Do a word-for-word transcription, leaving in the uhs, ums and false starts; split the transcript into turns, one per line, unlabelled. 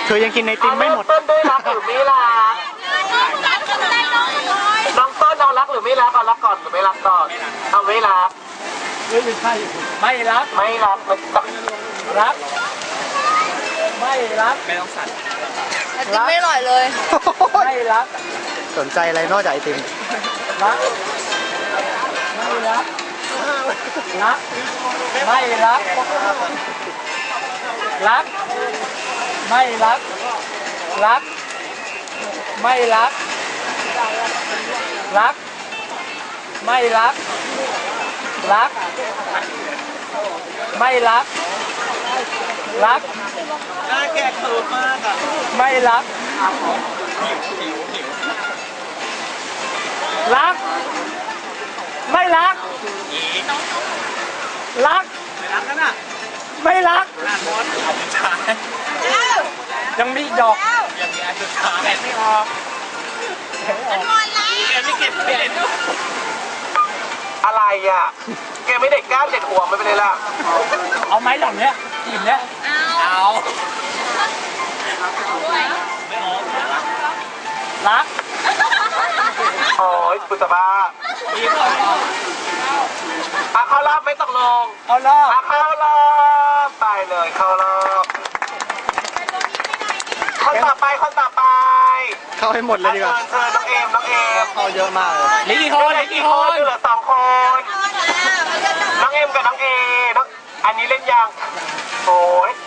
คือยังกินไอติมไม่หมด
ต้นด้วยรักหรือไม่รักน้องต้นเอารักหรือไม่รักเอารักก่อนหรือไม่รักก่อนเอาไม่รัก
ไม่ใช่ไม่รัก
ไม่รักไม่ต้อง
รักไม่รักไม่ต้องสั่น
ไอติมไม่อร่อยเลย
ไม่รัก
สนใจอะไรนอกจากไอติม
รักไม่รักรักไม่รักรักไม่รักรักไม่รักรักไม่รักรักไม่รักรัก
น่าแก่เขินมากอ่ะ
ไม่รักรักไม่รักรัก
ไม่รักกันอ่ะ
ไม่รัก
น่ามดเอาสุดท้าย
ยังมีดอก
ยังมีอันสุดท้ายไม่ออก
มันหมดแล้ว
แกไม่เก็บเปลี่ยนอะไรอ่ะแกไม่เด็กก้านเด็กหัวไม่เป็นไรล่ะ
เอาไหมหลังเนี้ยอิ่มเนี้ย
เอา
รัก
โอ้ยปุตตะบ้ายิ้มเลยอ่ะเข้ารอบไม่ตกลง
เข้ารอบ
อ่ะเข้ารอบไปเลยเข้ารอบคนต่อไปคนต่อไป
เข้าให้หมดเลยดีกว่า
เชิญน้องเอมน้องเอม
เข้าเยอะมากเลย
เหลือกี่คนเหลือกี่คน
เหลือสองคนน้องเอมกับน้องเอน้องอันนี้เล่นยังโอ้ย